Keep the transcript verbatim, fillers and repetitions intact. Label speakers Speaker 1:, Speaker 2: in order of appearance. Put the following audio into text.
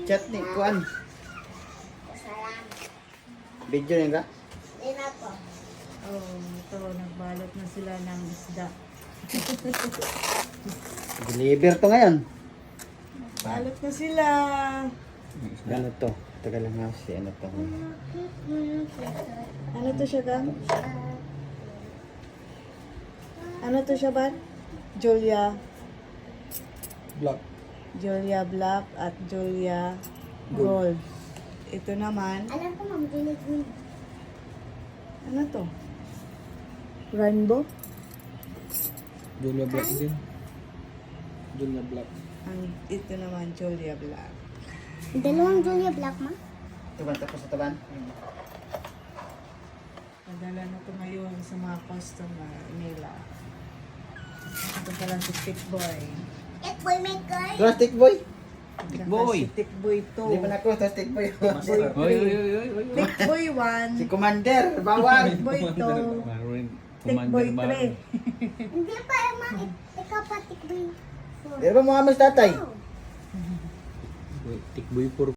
Speaker 1: Chutney, kuan. Video niya ka?
Speaker 2: Oh, ito, nagbalot na sila ng isda.
Speaker 1: Deliver to ngayon.
Speaker 2: Balot na sila.
Speaker 1: Ano to? Tagal lang nga si ano to.
Speaker 2: Ano to siya, Gam? Ano to siya, Ban? Julia.
Speaker 1: Vlog.
Speaker 2: Julia Black at Julia Gold. Ito naman,
Speaker 3: Alam ko, ma'am, dinig mo.
Speaker 2: ano to? Rainbow?
Speaker 4: Julia Black din. Julia Black.
Speaker 2: Ang ito naman, Julia Black.
Speaker 3: Dalawang Julia Black, ma?
Speaker 1: Taban tapos sa taban.
Speaker 2: Padala na to ngayon sa mga customer nila. Ito pala si Tick Boy.
Speaker 3: It boy maker.
Speaker 1: Plastic boy.
Speaker 2: Tick
Speaker 4: Boy.
Speaker 2: Si Tick Boy two.
Speaker 1: Hindi pa na ako, plastic boy.
Speaker 2: Boy
Speaker 4: Oy, oy,
Speaker 2: three.
Speaker 4: oy, oy, oy.
Speaker 2: Tick Boy one.
Speaker 1: Si Commander, bawal.
Speaker 2: Tick Boy two.
Speaker 4: Maroon.
Speaker 2: Tick Boy three.
Speaker 3: Hindi pa, ma. Ikaw pa, tikboy.
Speaker 1: Di ba mga mas tatay?
Speaker 3: Oh.
Speaker 4: Tikboy four.